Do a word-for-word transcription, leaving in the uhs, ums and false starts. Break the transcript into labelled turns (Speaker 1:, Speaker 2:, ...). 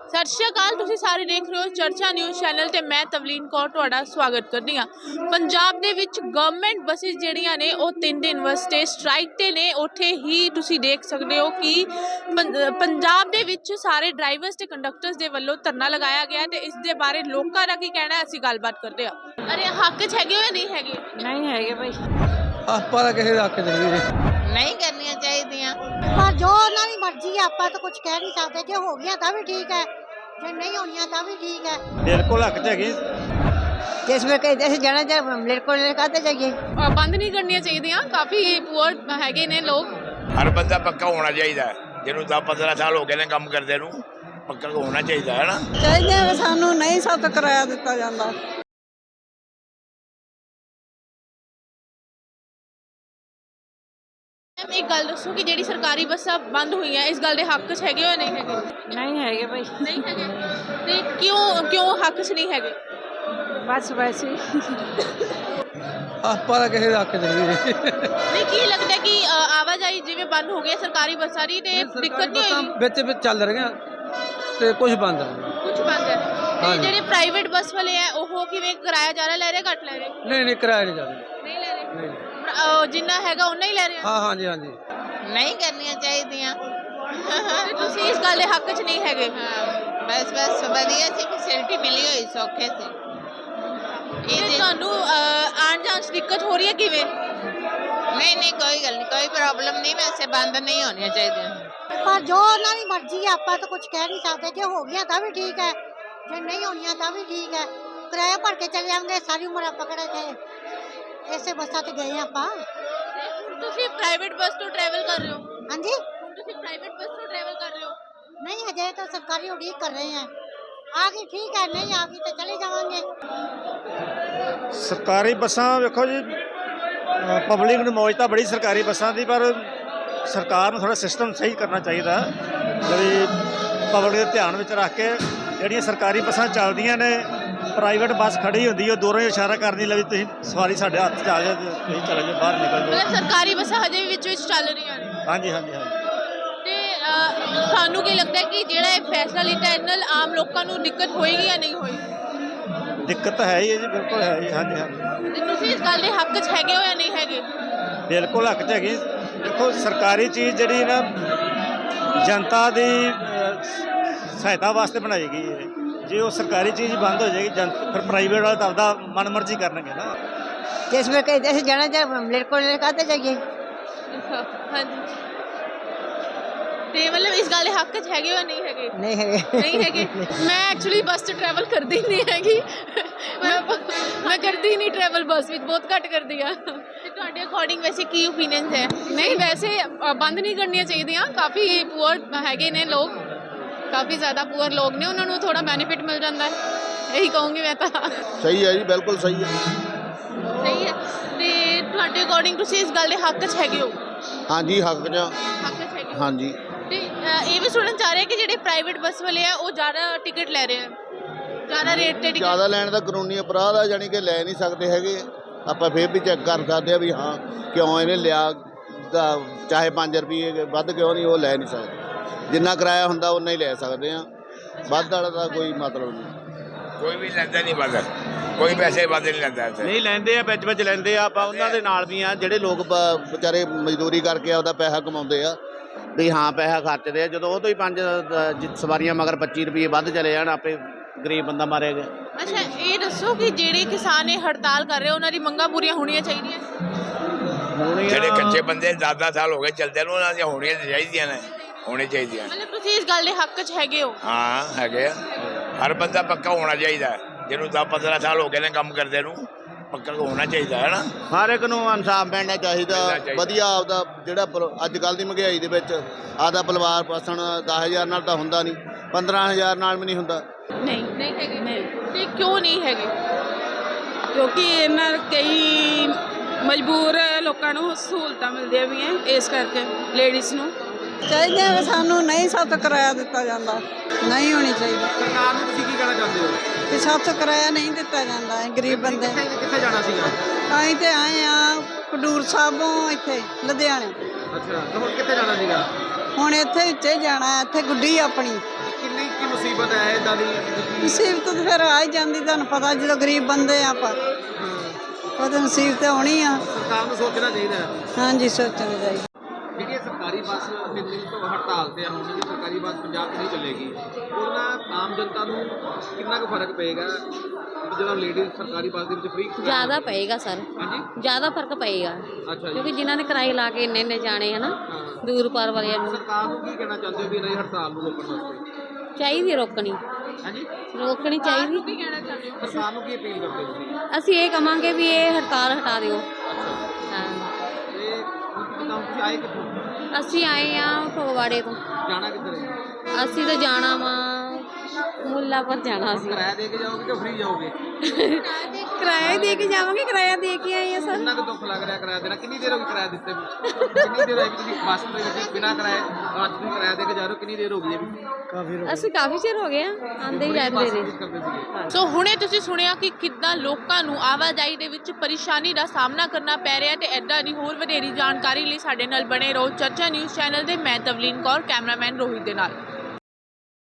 Speaker 1: सत श्री अकाल, तुसीं सारे देख रहे हो चर्चा न्यूज़ चैनल ते मैं तवलीन कौर तुहाडा स्वागत करदी हां। पंजाब दे विच गवर्नमेंट बसिस जिहड़ियां ने ओह तीन दिन वास्ते स्ट्राइक ते ने। उत्थे ही तुसीं देख सकदे हो कि पंजाब दे विच सारे ड्राइवर्स ते कंडक्टर्स दे वल्लों धरना लगाया गया ते इस दे बारे लोकां दा की कहना है, असीं गलबात करदे हां। अरे हक च हैगे हो या नहीं हैगे? नहीं हैगे भाई,
Speaker 2: ਆਪਾਂ ਤਾਂ ਕਿਸੇ ਦਾ ਹੱਕ ਨਹੀਂ ਵੀਰੇ
Speaker 3: नहीं करनी चाहिए
Speaker 4: पर जो उन्हों की मर्जी है, आप तो कुछ कह नहीं सकते। जो हो गया तो भी ठीक है, जो नहीं होनी तो भी ठीक है।
Speaker 2: ਬਿਲਕੁਲ ਹੱਕ ਚ ਹੈਗੀ।
Speaker 4: जिसमें कहीं जैसे जाना चाहिए बिल्कुल कहते जाइए।
Speaker 1: बंद नहीं करनी चाहिए, काफ़ी पुअर हैगे ने लोग।
Speaker 5: हर बंदा पक्का होना चाहिए, जिन्होंने दस पंद्रह साल हो गए ने काम करते नूं, पक्का होना चाहिए है ना।
Speaker 4: चाहिए सानू नहीं सत किराया दिता जाता।
Speaker 1: एक गल दसो कि जिहड़ी सरकारी बसां बंद हुई हैं, इस गल दे हक च हैगे हो या नहीं हैगे?
Speaker 4: नहीं है भाई,
Speaker 1: नहीं हैगे। ते क्यों क्यों हक च नहीं हैगे?
Speaker 4: बस वैसे
Speaker 2: ਆਪਾਂ ਤਾਂ ਕਿਸੇ ਦਾ ਹੱਕ ਨਹੀਂ ਵੀਰੇ
Speaker 1: नहीं की लगता है कि अ, आवाजाही जिवें बंद हो गई सरकारी बसां दी ते दिक्कत नहीं होगी?
Speaker 2: ਵਿੱਚ ਵਿੱਚ ਚੱਲ ਰਹੀਆਂ ਤੇ ਕੁਝ ਬੰਦ ਆ।
Speaker 1: कुछ बंद है ते
Speaker 2: हाँ जी।
Speaker 1: जिहड़े प्राइवेट बस वाले हैं ओह किवें किराया ज़्यादा ले रहे घट ले रहे?
Speaker 2: ਨਹੀਂ ਨਹੀਂ ਕਿਰਾਇਆ ਨਹੀਂ ਜਾਂਦੇ।
Speaker 1: नहीं ले रहे,
Speaker 2: ਨਹੀਂ
Speaker 1: अ, जिन्ना हैगा उन्ना ही ले रहे हैं।
Speaker 2: ਹਾਂ ਹਾਂਜੀ ਹਾਂਜੀ
Speaker 3: नहीं करनी चाहिए।
Speaker 1: ते तुसीं इस गल दे हक च नहीं हैगे?
Speaker 3: बस बस वधिया सी फैसिलिटी मिली हुई सौखे से।
Speaker 1: ते तुहानू आण जाण च दिक्कत हो रही है किवें?
Speaker 3: नहीं नहीं कोई गल नहीं, कोई प्रॉब्लम नहीं, वैसे बंद नहीं होनी चाहिए।
Speaker 4: पर जो उन्हों की मर्जी है, आप तो कुछ कह नहीं सकते। जो हो गया तो भी ठीक है, जो नहीं होनी तो भी ठीक है। किराया भर के चले जाएंगे, सारी उम्र आप पकड़े थे ऐसे बसा तो गए आप।
Speaker 1: तुसीं प्राइवेट बस तो ट्रैवल कर रहे हो?
Speaker 4: हाँ जी,
Speaker 1: तुसीं प्राइवेट बस तो ट्रैवल कर रहे हो?
Speaker 4: नहीं अजय तो सरकारी उड़ीक कर रहे हैं। आ गई ठीक है, नहीं आ गई तो चले जाएंगे।
Speaker 6: ਸਰਕਾਰੀ ਬੱਸਾਂ ਵੇਖੋ ਜੀ, ਪਬਲਿਕ ਨੂੰ ਮੌਜ ਤਾਂ ਬੜੀ ਸਰਕਾਰੀ ਬੱਸਾਂ ਦੀ, ਪਰ ਸਰਕਾਰ ਨੂੰ ਥੋੜਾ ਸਿਸਟਮ ਸਹੀ ਕਰਨਾ ਚਾਹੀਦਾ ਜਿਹੜੀ ਪਬਲਿਕ ਦੇ ਧਿਆਨ ਵਿੱਚ ਰੱਖ ਕੇ ਜਿਹੜੀਆਂ ਸਰਕਾਰੀ ਬੱਸਾਂ ਚੱਲਦੀਆਂ ਨੇ, ਪ੍ਰਾਈਵੇਟ ਬੱਸ ਖੜੀ ਹੁੰਦੀ ਉਹ ਦੂਰੋਂ ਹੀ ਇਸ਼ਾਰਾ ਕਰਨੀ ਲਈ ਤੁਸੀਂ ਸਵਾਰੀ ਸਾਡੇ ਹੱਥ 'ਚ ਆ ਜਾਏ, ਤੁਸੀਂ ਚਲੇ ਜਾਓ ਬਾਹਰ ਨਿਕਲ ਜਾਓ।
Speaker 1: मतलब सरकारी बसां हजे भी विच विच चल रही हैं
Speaker 6: ਹਾਂਜੀ ਹਾਂਜੀ ਹਾਂਜੀ
Speaker 1: ते ਤੁਹਾਨੂੰ ਕੀ ਲੱਗਦਾ ਹੈ ਕਿ ਜਿਹੜਾ ਇਹ ਫੈਸਲਾ ਲਿੱਤਾ ਇਹਦੇ ਨਾਲ ਆਮ ਲੋਕਾਂ ਨੂੰ ਦਿੱਕਤ ਹੋਏਗੀ ਜਾਂ ਨਹੀਂ ਹੋਏਗੀ?
Speaker 6: ਦਿੱਕਤ ਤਾਂ ਹੈ ਹੀ ਹੈ ਜੀ, ਬਿਲਕੁਲ ਹੈ ਜੀ। ਹਾਂਜੀ ਹਾਂਜੀ
Speaker 1: ਤੇ ਤੁਸੀਂ ਇਸ ਗੱਲ ਦੇ ਹੱਕ 'ਚ ਹੈਗੇ ਹੋ ਜਾਂ ਨਹੀਂ ਹੈਗੇ?
Speaker 6: ਬਿਲਕੁਲ ਹੱਕ 'ਚ ਹੈਗੀ। ਦੇਖੋ ਸਰਕਾਰੀ ਚੀਜ਼ ਜਿਹੜੀ ਨਾ ਜਨਤਾ ਦੀ ਅਹ, ਸਹਾਇਤਾ ਵਾਸਤੇ ਬਣਾਈ ਗਈ ਹੈ। ਜੇ ਉਹ ਸਰਕਾਰੀ ਚੀਜ਼ ਬੰਦ ਹੋ ਜਾਏਗੀ, ਜਨ ਫਿਰ ਪ੍ਰਾਈਵੇਟ ਵਾਲੇ ਤਾਂ ਆਪਦਾ ਮਨਮਰਜ਼ੀ ਕਰਨਗੇ ਨਾ।
Speaker 4: जिसमें कहीं जैसे जाना चाहिए बिल्कुल कहते जाइए।
Speaker 1: ਹਾਂਜੀ ਤੇ ਮਤਲਬ ਇਸ ਗੱਲ ਦੇ ਹੱਕ 'ਚ ਹੈਗੇ ਹੋ ਜਾਂ ਨਹੀਂ ਹੈਗੇ?
Speaker 4: नहीं है
Speaker 1: ਨਹੀਂ ਹੈਗੇ। ਮੈਂ ਐਕਚੁਅਲੀ ਬੱਸ 'ਚ ਟਰੈਵਲ ਕਰਦੀ ਨਹੀਂ ਹੈਗੀ, ਮੈਂ ਮੈਂ ਕਰਦੀ ਹੀ ਨਹੀਂ ਟਰੈਵਲ, ਬੱਸ ਵਿੱਚ ਬਹੁਤ ਘੱਟ ਕਰਦੀ ਆ। ਤੇ ਤੁਹਾਡੇ ਅਕੋਰਡਿੰਗ ਵੈਸੇ ਕੀ ਓਪੀਨੀਅਨਸ ਹੈ? ਨਹੀਂ ਵੈਸੇ ਅ, ਬੰਦ ਨਹੀਂ ਕਰਨੀਆਂ ਚਾਹੀਦੀਆਂ। ਕਾਫੀ ਪੂਅਰ ਹੈਗੇ ਨੇ ਲੋਕ, ਕਾਫੀ ਜ਼ਿਆਦਾ ਪੂਅਰ ਲੋਕ ਨੇ, ਉਹਨਾਂ ਨੂੰ ਥੋੜਾ ਬੈਨੀਫਿਟ ਮਿਲ ਜਾਂਦਾ ਹੈ, ਇਹੀ ਕਹੂੰਗੀ ਮੈਂ ਤਾਂ।
Speaker 7: ਸਹੀ ਹੈ ਜੀ, ਬਿਲਕੁਲ ਸਹੀ ਹੈ।
Speaker 1: ਸਹੀ ਹੈ। ਤੇ ਤੁਹਾਡੇ ਅਕੋਰਡਿੰਗ ਤੁਸੀਂ ਇਸ ਗੱਲ ਦੇ ਹੱਕ 'ਚ ਹੈਗੇ ਹੋ?
Speaker 7: ਹਾਂਜੀ ਹੱਕ ਚ
Speaker 1: ਹੱਕ 'ਚ ਹੈਗੇ ਹੋ।
Speaker 7: ਹਾਂਜੀ।
Speaker 1: ਤੇ ਅ, ਇਹ ਵੀ ਸੁਣਨ ਚ ਆ ਰਿਹਾ ਕਿ ਜਿਹੜੇ ਪ੍ਰਾਈਵੇਟ ਬੱਸ ਵਾਲੇ ਆ ਉਹ ਜ਼ਿਆਦਾ ਟਿਕਟ ਲੈ ਰਹੇ ਆ, ਜ਼ਿਆਦਾ ਰੇਟ ਤੇ ਟਿਕਟ।
Speaker 7: ਜ਼ਿਆਦਾ ਲੈਣ ਦਾ ਕਾਨੂੰਨੀ ਅਪਰਾਧ ਆ, ਜਾਣੀ ਕਿ ਲੈ ਨਹੀਂ ਸਕਦੇ ਹੈਗੇ। ਆਪਾਂ ਫਿਰ ਵੀ ਚੈੱਕ ਕਰ ਸਕਦੇ ਆ ਵੀ ਹਾਂ ਕਿਉਂ ਇਹਨੇ ਲਿਆ, ਗਾ- ਚਾਹੇ ਪੰਜ ਰੁਪਏ ਵੱਧ ਕਿਉਂ ਨਹੀਂ, ਉਹ ਲੈ ਨਹੀਂ ਸਕਦੇ। ਜਿੰਨਾ ਕਿਰਾਇਆ ਹੁੰਦਾ ਉਨਾ ਹੀ ਲੈ ਸਕਦੇ ਆ, ਵੱਧ ਵਾਲਾ ਦਾ ਕੋਈ ਮਤਲਬ ਨਹੀਂ।
Speaker 5: कोई भी लेंदा नहीं बंद, कोई पैसे बंद नहीं लेंदा इत्थे।
Speaker 6: ਨਹੀਂ ਲੈਂਦੇ ਆ, ਵਿੱਚ ਵਿੱਚ ਲੈਂਦੇ ਆ। ਆਪਾਂ ਉਹਨਾਂ ਦੇ ਨਾਲ ਵੀ ਆ ਜਿਹੜੇ ਲੋਕ ਬ- ਵਿਚਾਰੇ ਮਜ਼ਦੂਰੀ ਕਰਕੇ ਆਪਦਾ ਪੈਸਾ ਕਮਾਉਂਦੇ ਆ, ਵੀ ਹਾਂ ਪੈਸਾ ਖਰਚਦੇ ਆ। ਜਦੋਂ ਉਹ ਤੋਂ ਹੀ ਪੰਜ ਅ, ਜ- ਸਵਾਰੀਆਂ ਮਗਰ ਪੱਚੀ ਰੁਪਏ ਵੱਧ ਚਲੇ ਜਾਣ, ਆਪੇ ਗਰੀਬ ਬੰਦਾ ਮਾਰਿਆ ਗਿਆ।
Speaker 1: ਅੱਛਾ ਇਹ ਦੱਸੋ ਕਿ ਜਿਹੜੇ ਕਿਸਾਨ ਇਹ ਹੜਤਾਲ ਕਰ ਰਹੇ ਉਹਨਾਂ ਦੀ ਮੰਗਾਂ ਪੂਰੀਆਂ ਹੋਣੀਆਂ ਚਾਹੀਦੀਆਂ?
Speaker 5: ਜਿਹੜੇ ਕੱਚੇ ਬੰਦੇ ਦਸ ਦਸ ਸਾਲ ਹੋ ਗਏ ਚੱਲਦੇ ਨੂੰ, ਉਹਨਾਂ ਦੀਆਂ ਹੋਣੀਆਂ ਚਾਹੀਦੀਆਂ ਨੇ, ਹੋਣੀ ਚਾਹੀਦੀਆਂ।
Speaker 1: ਮਤਲਬ ਤੁਸੀਂ ਇਸ ਗੱਲ ਦੇ ਹੱਕ 'ਚ ਹੈਗੇ ਹੋ?
Speaker 5: ਹਾਂ ਹੈਗੇ ਆ। ਹਰ ਬੰਦਾ ਪੱਕਾ ਹੋਣਾ ਚਾਹੀਦਾ, ਜਿਹਨੂੰ ਦਸ ਪੰਦਰਾਂ ਸਾਲ ਹੋ ਗਏ ਨੇ ਕੰਮ ਕਰਦੇ ਨੂੰ, ਪੱਕਾ ਹੋਣਾ ਚਾਹੀਦਾ ਹੈ ਨਾ।
Speaker 7: ਹਰ ਇੱਕ ਨੂੰ ਇਨਸਾਫ ਮਿਲਣਾ ਚਾਹੀਦਾ।
Speaker 5: ਮਿਲਣਾ ਚਾਹੀਦਾ।
Speaker 7: ਵਧੀਆ ਆਪਦਾ ਜਿਹੜਾ ਪਰਿ- ਅੱਜ ਕੱਲ੍ਹ ਦੀ ਮਹਿੰਗਾਈ ਦੇ ਵਿੱਚ ਆਪਦਾ ਪਰਿਵਾਰ ਪਾਸਣ ਦਸ ਹਜ਼ਾਰ ਨਾਲ ਤਾਂ ਹੁੰਦਾ ਨਹੀਂ, ਪੰਦਰਾਂ ਹਜ਼ਾਰ ਨਾਲ ਵੀ ਨਹੀਂ ਹੁੰਦਾ।
Speaker 1: ਨਹੀਂ ਨਹੀਂ ਹੈਗੇ। ਨਹੀਂ ਤੇ ਕਿਉਂ ਨਹੀਂ ਹੈਗੇ?
Speaker 8: ਕਿਉਂਕਿ ਇਹਨਾਂ ਕਈ ਮਜਬੂਰ ਲੋਕਾਂ ਨੂੰ ਸਹੂਲਤਾਂ ਮਿਲਦੀਆਂ ਵੀ ਹੈ, ਇਸ ਕਰਕੇ ਲੇਡੀਜ਼ ਨੂੰ
Speaker 4: चाहिए सानू नहीं सत किराया दिता जाता, नहीं होनी चाहिए।
Speaker 6: ਸਰਕਾਰ ਨੂੰ ਤੁਸੀਂ ਕੀ ਕਹਿਣਾ ਚਾਹੁੰਦੇ ਹੋ?
Speaker 4: कि सत किराया नहीं दिता जाता है गरीब बंदे।
Speaker 6: ਕਿੱਥੇ ਜਾਣਾ ਸੀਗਾ?
Speaker 4: ਅਸੀਂ ਤੇ ਆਏ ਆ ਖਡੂਰ ਸਾਹਿਬੋਂ ਇੱਥੇ ਲੁਧਿਆਣੇ।
Speaker 6: ਅੱਛਾ, ਤੇ ਹੁਣ ਕਿੱਥੇ ਜਾਣਾ ਸੀਗਾ?
Speaker 4: ਹੁਣ ਇੱਥੇ ਵਿੱਚੇ ਜਾਣਾ, ਇੱਥੇ ਗੁੱਡੀ ਆਪਣੀ।
Speaker 6: ਕਿੰਨੀ ਕੀ
Speaker 2: ਮੁਸੀਬਤ ਹੈ ਇਦਾਂ ਦੀ?
Speaker 9: ਮੁਸੀਬਤ ਤਾਂ ਫਿਰ ਆ ਹੀ ਜਾਂਦੀ, ਤੁਹਾਨੂੰ ਪਤਾ ਜਦੋਂ ਗਰੀਬ ਬੰਦੇ ਆ ਆਪਾਂ, ਉਹ ਤਾਂ ਮੁਸੀਬਤ ਆਉਣੀ ਆ।
Speaker 2: ਸਰਕਾਰ ਨੂੰ ਸੋਚਣਾ ਚਾਹੀਦਾ ਹੈ।
Speaker 9: ਹਾਂਜੀ ਸੋਚਣਾ ਚਾਹੀਦਾ।
Speaker 2: ਜਿਹੜੀ ਇਹ ਸਰਕਾਰੀ ਬੱਸ ਤਿੰਨ ਦਿਨ ਤੋਂ ਹੜਤਾਲ ਤੇ ਆ, ਹੁਣ ਵੀ ਸਰਕਾਰੀ ਬੱਸ ਪੰਜਾਬ 'ਚ ਨਹੀਂ ਚੱਲੇਗੀ, ਉਹਦੇ ਨਾਲ ਆਮ ਜਨਤਾ ਨੂੰ ਕਿੰਨਾ ਕੁ ਫਰਕ ਪਏਗਾ ਜਦੋਂ ਲੇਡੀਜ਼ ਸਰਕਾਰੀ ਬੱਸ ਦੇ ਵਿੱਚ ਫ੍ਰੀ?
Speaker 10: ਜ਼ਿਆਦਾ ਪਏਗਾ ਸਰ,
Speaker 2: ਹਾਂਜੀ,
Speaker 10: ਜ਼ਿਆਦਾ ਫਰਕ ਪਏਗਾ,
Speaker 2: ਅੱਛਾ ਜੀ।
Speaker 10: ਕਿਉਂਕਿ ਜਿਨ੍ਹਾਂ ਨੇ ਕਿਰਾਏ ਲਾ ਕੇ ਇੰਨੇ ਇੰਨੇ ਜਾਣੇ ਹੈ ਨਾ
Speaker 2: ਹਾਂ।
Speaker 10: ਦੂਰ ਪਾਰ ਵਾਲਿਆਂ ਨੂੰ
Speaker 2: ਸਰਕਾਰ ਨੂੰ ਕੀ ਕਹਿਣਾ ਚਾਹੁੰਦੇ ਹੋ ਵੀ ਇਹਨਾਂ ਦੀ ਹੜਤਾਲ ਨੂੰ ਰੋਕਣ ਵਾਸਤੇ?
Speaker 10: ਚਾਹੀਦੀ ਰੋਕਣੀ,
Speaker 2: ਹਾਂਜੀ,
Speaker 10: ਰੋਕਣੀ ਚਾਹੀਦੀ।
Speaker 1: ਕੀ ਕਹਿਣਾ ਚਾਹੁੰਦੇ ਹੋ?
Speaker 2: ਸਰਕਾਰ ਨੂੰ ਕੀ ਅਪੀਲ ਕਰਦੇ ਹੋ ਤੁਸੀਂ?
Speaker 10: ਅਸੀਂ ਇਹ ਕਵਾਂਗੇ ਵੀ ਇਹ ਹੜਤਾਲ ਹਟਾ ਦਿਓ। ਹਾਂ,
Speaker 2: ਤੇ ਹੁਣ ਜਿੱਦਾਂ ਹੁਣ ਤੁਸੀਂ ਆਏ ਕਿੱਥੋਂ?
Speaker 10: ਅਸੀਂ ਆਏ ਆ ਫਗਵਾੜੇ ਤੋਂ।
Speaker 2: ਜਾਣਾ ਕਿੱਧਰ ਹੈ?
Speaker 10: ਅਸੀਂ ਤਾਂ ਜਾਣਾ ਵਾ ਮੁੱਲਾਪੁਰ ਜਾਣਾ ਸੀ।
Speaker 2: ਕਿਰਾਇਆ ਦੇ ਕੇ ਜਾਓਗੇ ਕਿ ਫ੍ਰੀ ਜਾਓਗੇ?
Speaker 10: ਕਿਰਾਇਆ ਦੇ ਕੇ ਜਾਵਾਂਗੇ, ਕਿਰਾਇਆ ਦੇ ਕੇ ਆਏ ਆ ਸਰ।
Speaker 2: ਕਿੰਨਾ ਕੁ ਦੁੱਖ ਲੱਗ ਰਿਹਾ ਕਿਰਾਇਆ ਦੇਣਾ? ਕਿੰਨੀ ਦੇਰ ਹੋ ਗਈ ਕਿਰਾਇਆ ਦਿੱਤੇ ਨੂੰ? ਕਿੰਨੀ ਦੇਰ ਹੋਈ ਵੀ ਤੁਸੀਂ ਬੱਸ ਦੇ ਵਿੱਚ ਬਿਨਾਂ ਕਿਰਾਏ ਅੱਜ ਤੁਸੀਂ ਕਿਰਾਇਆ ਦੇ ਕੇ ਜਾ ਰਹੇ ਹੋ? ਕਿੰਨੀ ਦੇਰ ਹੋ ਗਈ ਹੈ ਵੀ?
Speaker 6: ਕਾਫੀ
Speaker 10: ਅਸੀਂ ਕਾਫੀ ਚਿਰ ਹੋ ਗਿਆ ਆਂਦੇ ਹੀ ਜਾਂਦੇ ਰਹੇ।
Speaker 2: ਕਰਦੇ ਸੀਗੇ।
Speaker 1: ਸੋ ਹੁਣੇ ਤੁਸੀਂ ਸੁਣਿਆ ਕਿ ਕਿੱਦਾਂ ਲੋਕਾਂ ਨੂੰ ਆਵਾਜਾਈ ਦੇ ਵਿੱਚ ਪਰੇਸ਼ਾਨੀ ਦਾ ਸਾਹਮਣਾ ਕਰਨਾ ਪੈ ਰਿਹਾ ਤੇ ਐਦਾਂ ਦੀ ਹੋਰ ਵਧੇਰੀ ਜਾਣਕਾਰੀ ਲਈ ਸਾਡੇ ਨਾਲ ਬਣੇ ਰਹੋ ਚਰਚਾ ਨਿਊਜ਼ ਚੈਨਲ ਦੇ। ਮੈਂ ਤਵਲੀਨ ਕੌਰ, ਕੈਮਰਾਮੈਨ ਰੋਹਿਤ ਦੇ ਨਾਲ।